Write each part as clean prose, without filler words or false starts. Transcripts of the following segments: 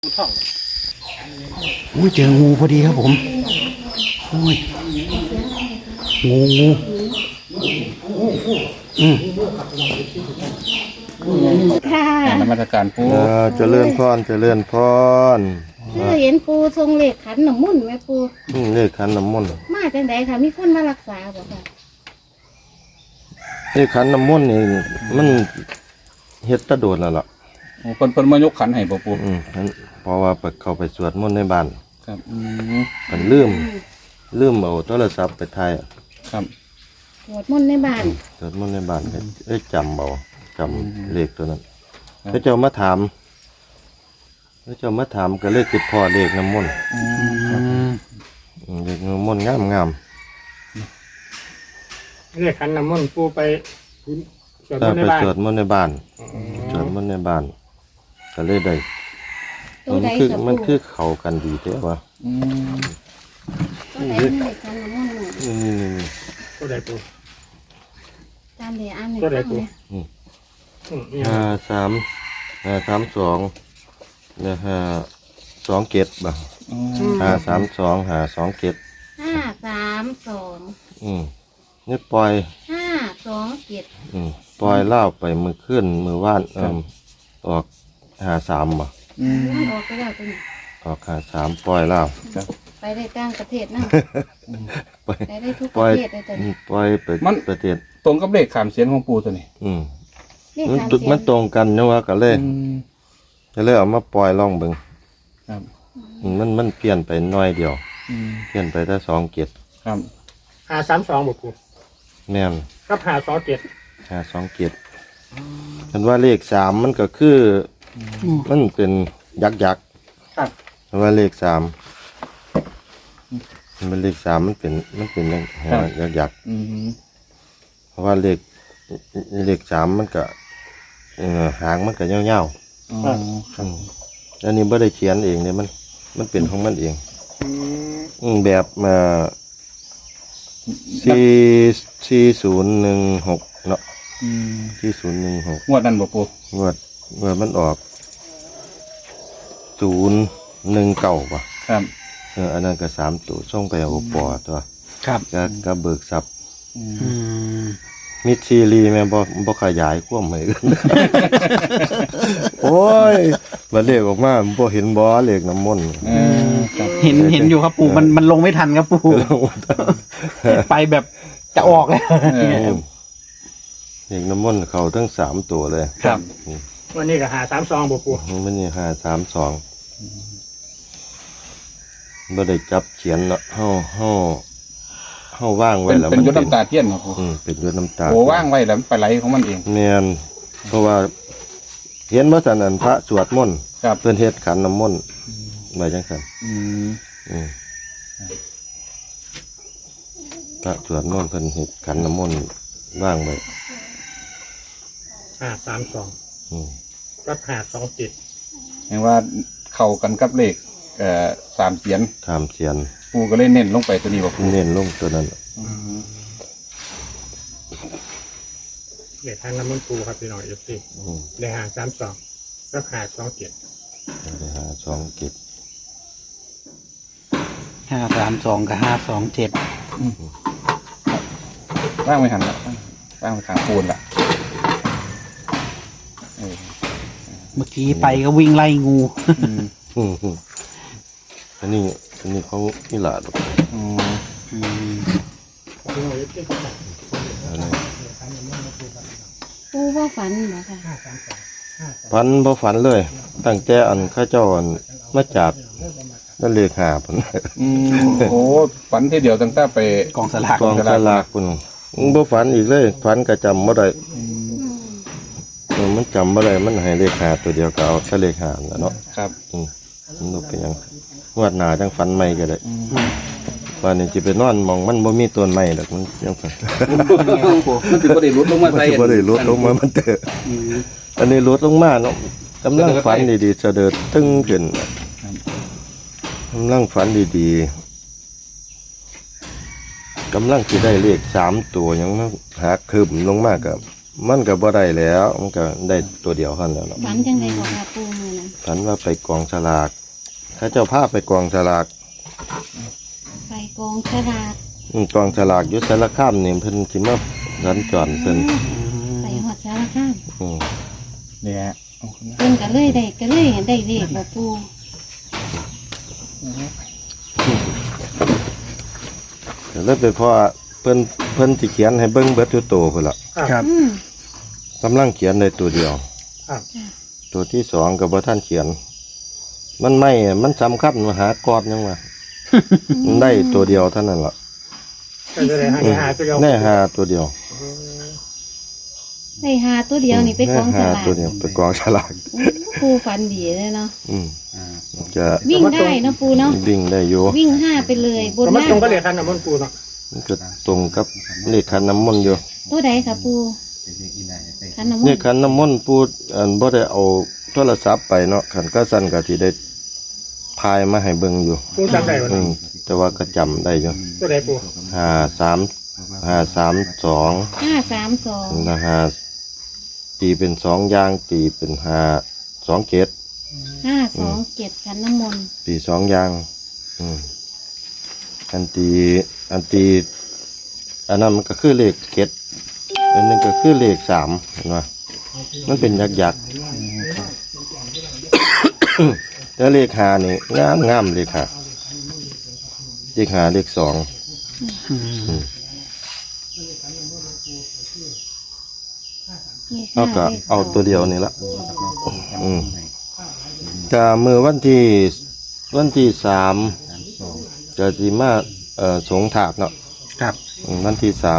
อุ้ยเจองูพอดีครับผมโอ้ยงูค่ะนมัสการปูเจริญพรเจริญพรคือเห็นปูทรงเหล็กขันหนำมุ่นไหมปูเลขขันน้ำมนต์มาจังไดค่ะมีคนมารักษาบ่ค่ะเลขขันน้ำมนต์นี่มันเฮ็ดตะโดดแล้วล่ะเพิ่นมายกขันให้ปูเพราะว่าไปเข้าไปสวดมนต์ในบ้านครับมันลืมเอาโทรศัพท์ไปถ่ายครับสวดมนต์ในบ้านสวดมนต์ในบ้านได้จำเลขตัวนั้นพระเจ้ามาถามก็เลยติดพ่อเลขน้ำมนต์เลขน้ำมนต์งามเรียกขันน้ำมนต์ปูไปสวดถ้ามนต์ในไปบ้านสวดมนต์ในบ้านสวดมนต์ในบ้านก็เลยได้ตัวใดคือค่ะมันปูคือเข้ากันดีแท้วะตัวใดมีเหล็กขันหนำมุ่นหน่อยนี่ตัวใดปูตามเดียอันหนึ่งตัวใดปูเนี่ย 532เนี่ย527บ่532 527 532 นี่ปล่อย 527 ปล่อยเล่าไปมือขึ้นมือว่านออก53บ่มันออกไปแล้วตัวนี้ออก53ปล่อยเล่าไปได้ต่างประเทศนะปล่อยไปได้ทุกปปล่อระยเทศเลยตัวนี้ปล่อยไปประเทศตรงกับเลขขามเสียนของปูตัวนี้เลขมันสามตุกเสียมันงตรงกันนะว่าก็เลยเอามาปล่อยลองเบิ่งครับมันเปลี่ยนไปน้อยเดียวเปลี่ยนไปได้2เกตครับ 532บ่ปูแม่นกับ527 2เกตเห็นว่าเลข3มันก็คือมันเป็นยักษ์ครับเพราะว่าเลข3มันเลข3มันเป็นยักษ์เพราะว่าเลข3มันก็หางมันก็ยาวๆอันนี้บ่ได้เขียนเองเนี่ยมันเป็นของมันเองแบบ4016เนาะ4016 งวดนั้นบ่ปูงวดมันออก019ป่ะครับอันนั้นก็3ตัวส่งไปเอาปอตัวครับก็เบิกทรัพย์มิดซีรีแม่บ่ขยายความให้กัน โอ้ยบ่เลขออกมาบ่เห็นบ่เลขน้ำมนต์ครับเห็นอยู่ครับปู่มันลงไม่ทันครับปู่ไปแบบจะออกแล้วเลขน้ำมนต์เข้าทั้ง3ตัวเลยครับวันนี้ก็532บ่ปูมันนี่532บ่ได้จับเขียนเนาะเฮาว่างไว้แล้วเป็นยศน้ำตาเทียนครับปูเป็นยศน้ำตาโอ้ว่างไว้แล้วมันไปไหลของมันเองแม่นเพราะว่าเห็นว่าซั่นอันพระสวดมนต์ครับเพิ่นเฮ็ดขันน้ำมนต์ไว้จังซั่นพระสวดมนต์เพิ่นเฮ็ดขันน้ำมนต์ว่างไว้ 532กับ527 เห็นว่าเข้ากันกับเลขสามเสียนถามเสียนปูก็เลยเน้นลงไปตัวนี้บ่ปูเน้นลงตัวนั้นเรียกขันน้ำมนต์ปูครับพี่น้อง FC ได้532กับ527 ไปหา2เก็บ 532กับ527 ว่างไว้หันละว่างไว้ขางปูนละเมื่อกี้ไปก็วิ่งไล่งูอันนี้เขาอีหลาดอกอันนี้ปูว่าฝันเหรอคะฝันบ่ฝันเลย ตั้งแต่อันข้าเจ้าอันมาจับนั่นเลข5พุ่นโอ้ฝันทีเดียวตั้งแต่ไปกองสลากกองสลากพุ่นบ่ฝันอีกเลยฝันก็จำบ่ได้มันจำบ่ได้มันให้เลข5ตัวเดียวก็เอาแค่เลข5แล้วเนาะครับมันบ่เป็นหยังงวดหน้าจังฝันใหม่ก็ได้ว่านี่สิไปนอนหม่องมันบ่มีต้นไม้ดอกมันยังฝันมันถึงบ่ได้ลดลงมามันใส่สิบ่ได้ลดลงมามันเด้ออันนี้ลดลงมาเนาะกำลังฝันดีๆเสด็จตึงขึ้นกำลังฝันดีๆกำลังสิได้เลข3ตัวหยังหาคืบลงมากับมันก็บ่ได้แล้วมันก็ได้ตัวเดียวเท่านั้นแหล้วฝันจังไดก็ค่ะปูมื้อนั้นฉันว่าไปกองฉลากเขาเจ้าพาไปกองฉลากไปกองฉลากกองฉลากอยู่สารคามนี่เพิ่นสิมาสัญจรเพิ่นไปฮอดสารคามอืมเนี่ยเพิ่นก็เลยได้เลขบ่ปูแล้วไปพอเพิ่นสิเขียนให้เบิ่งเบิดทุกตัวพุ่นล่ะครับกำลังเขียนได้ตัวเดียวครับตัวที่สองก็บ่ทันเขียน มันสำคัญมาหากอดยังว่ามันได้ตัวเดียวเท่านั้นล่ะก็จะได้หาตัวเดียวแน่หาตัวเดียวได้หาตัวเดียวนี่ไปกองฉแน่หาลากตัวเดียวไปกองฉลากปูฝันดีเลยเนาะอืมจะวิ่งได้เนาะปูเนาะวิ่งได้อยู่วิ่ง5ไปเลยบนก็มันล่าตรงงก็เลยคันน้ำมันปูเนาะมันก็ตรงกับเลขขันน้ำมนต์อยู่ตัวใดค่ะปูขันน้ำมนี่นต์ขันน้ำมนต์พูดบ่ได้เอาโทรศัพท์ไปเนาะขันก็สั่นก็ที่ได้พายมาให้เบิ่งอยู่ปูจำได้บ่อืมแต่ว่าก็จำได้อยู่ตัวใดปู 532 532 นะฮะตีเป็น2อย่างตีเป็น527 527ขันน้ำมนต์ตี2อย่างอืมอันนั้นมันก็คือเลขเจ็ดอันนึงก็คือเลข3เห็นป่ะมันเป็นยักษ์ แล้วเลขหานี่งามเลขหาเลข2 เอาก็เอาตัวเดียวนี่ละก็มือวันที่3จะสิมาสงถาดเนาะครับวันที่3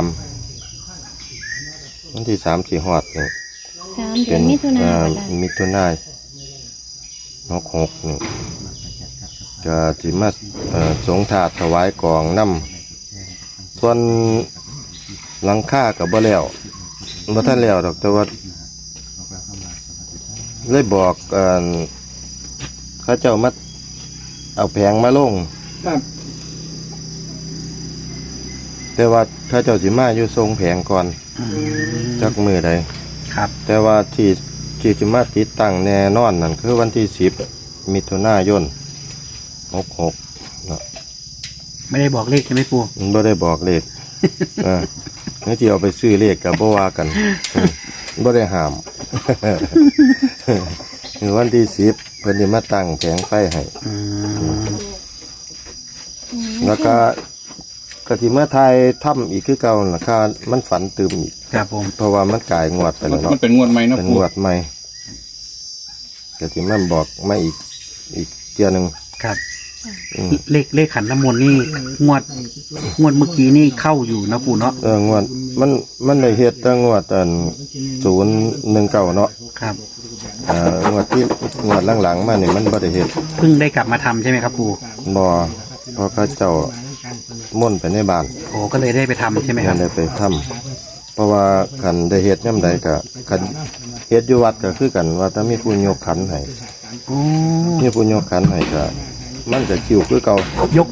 สิฮอดนี่ 3เดือนมิถุนายนมิถุนายน66นี่ก็สิมาสงถาดถวายกองน้ำส่วนหลังคาก็บ่แล้วบ่ทันแล้วดอกแต่ว่าเลยบอกเขาเจ้ามาเอาแผงมาลงครับแต่ว่าเขาเจ้าสิมาอยู่ทรงแผงก่อนจักมือใดครับแต่ว่าที่สิมาติดตั้งแน่นอนนั่นคือวันที่10มิถุนายน66เนาะไม่ได้บอกเลขใช่ไหมปูมันบ่ได้บอกเลขนี่ที่เอาไปซื้อเลขก็บ่ว่ากันบ่ได้ห้าม คือวันที่10เพิ่นสิมาตั้งแผงไฟให้ แล้วก็สิมาทายถ้ำอีกคือเก่าล่ะค่ะมันฝันตื่มอีกครับผมเพราะว่ามันกลายงวดไปแล้วมัเนาะนเป็นงวดใหม่นะเป็นปูงวดใหม่ก็สิมาบอกมาอีกเที่ยหนึงครับ เลขขันน้ำมนต์นี่งวดเมื่อกี้นี่เข้าอยู่นะปูเนาะงวดมันได้เฮ็ดแต่งวด019เนาะครับงวดหลังๆมานี่มันบ่ได้เฮ็ดเพิ่งได้กลับมาทำใช่ไหมครับปูบ่เพราะเขาเจ้าม่นต์ไปในบ้านโอ้ก็เลยได้ไปทำใช่ไหมคมัรับนได้ไปทำเพราะว่าคันได้เฮ็ดยามใดก็คันเฮ็ดอยู่วัดก็คือกันว่าถ้ามีผู้ยกขันให้โอ้มีผู้ยกขันให้ก็มันจะคิวคือเก่าย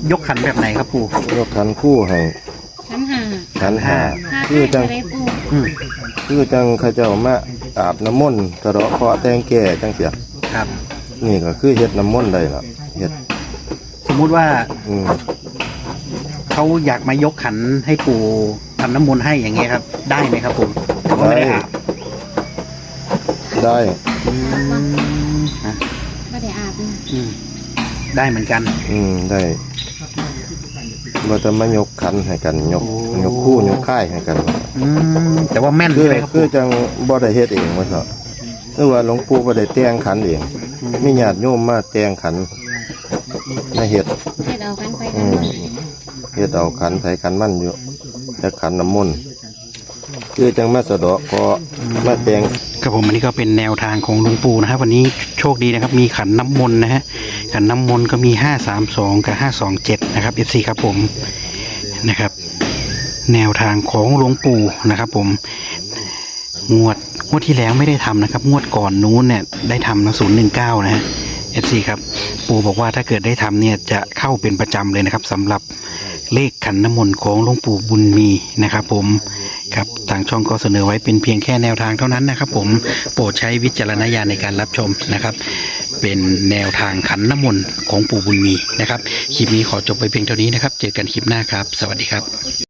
กขันแบบไหนครับปูยกขันคู่ให้ขันห้าขันหาห้าคือจังได้ปูอืมคือจังเขาเจ้ามาอาบน้ำมนต์กระเดาะเคาะแต่งแก่จังเสียครับนี่ก็คือเฮ็ดน้ำมนต์ได้ล่ะเฮ็ดสมมุติว่าอืมเขาอยากมายกขันให้ปูทำน้ำมนต์ให้อย่างเงี้ยครับ ได้ไหมครับผมแต่ว่าไม่ได้อาบได้ฮะไม่ได้อาบนะได้เหมือนกันได้ว่าจะมายกขันให้กันยกโอ้ยกคู่ยกค่ายให้กันแต่ว่าแม่นคือใช่ไหมครับคือจังบ่ได้เฮ็ดเองว่าเถอะหรือว่าหลวงปู่บ่ได้แต่งขันเองมีญาติโยมมาแต่งขันมาเฮ็ดเฮ็ดเอาขันไปอืกันมเฮ็ดเอาขันไผขันมันอยู่แต่ขันน้ำมนต์คือจังมาสะเดาะก็มาแต่งครับผมอันนี้ก็เป็นแนวทางของหลวงปู่นะครับวันนี้โชคดีนะครับมีขันน้ำมนต์นะฮะขันน้ำมนต์ก็มี532กับ527นะครับ FC ครับผมนะครับ แนวทางของหลวงปู่นะครับผมงวดที่แล้วไม่ได้ทำนะครับงวดก่อนนู้นเนี่ยได้ทำนะ019นะฮะ FC ครับปู่บอกว่าถ้าเกิดได้ทำเนี่ยจะเข้าเป็นประจำเลยนะครับสำหรับเลขขันน้ำมนต์ของหลวงปู่บุญมีนะครับผมครับทางช่องก็เสนอไว้เป็นเพียงแค่แนวทางเท่านั้นนะครับผมโปรดใช้วิจารณญาณในการรับชมนะครับเป็นแนวทางขันน้ำมนต์ของปู่บุญมีนะครับคลิปนี้ขอจบไปเพียงเท่านี้นะครับเจอกันคลิปหน้าครับสวัสดีครับ